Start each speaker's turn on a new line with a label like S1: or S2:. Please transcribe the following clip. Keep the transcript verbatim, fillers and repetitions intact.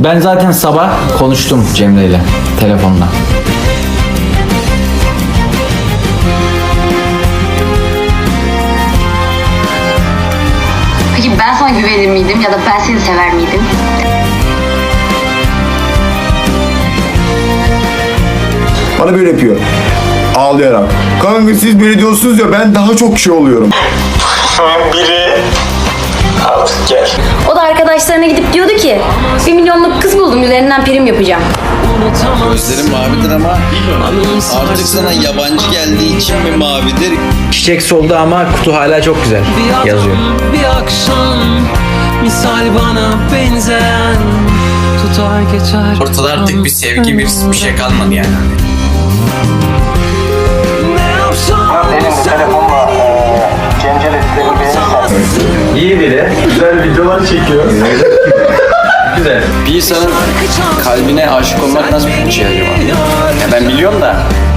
S1: Ben zaten sabah konuştum Cemre ile telefonla.
S2: Peki ben sana güvenir miydim ya da ben seni sever miydim?
S3: Bana böyle yapıyor. Ağlayarak. Kanka siz böyle diyorsunuz ya, ben daha çok şey oluyorum.
S4: Biri artık gel.
S5: O da arkadaşlarına gidip diyordu ki bir milyonluk kız buldum üzerinden prim yapacağım.
S6: Gözlerim mavidir ama artık sana yabancı geldiği için mi mavidir?
S1: Çiçek soldu ama kutu hala çok güzel yazıyor.
S7: Bir akşam misal bana benzeyen tutar geçer.
S6: Ortada artık bir sevgi, bir, bir şey kalmadı yani.
S7: Ne yapsam
S4: Benim bu telefonla eee Cemceletleri beğenirsen.
S1: İyi biri. Güzel videolar çekiyor. Güzel.
S6: Bir insanın kalbine aşık olmak nasıl bir şey acaba? Ya ben biliyorum da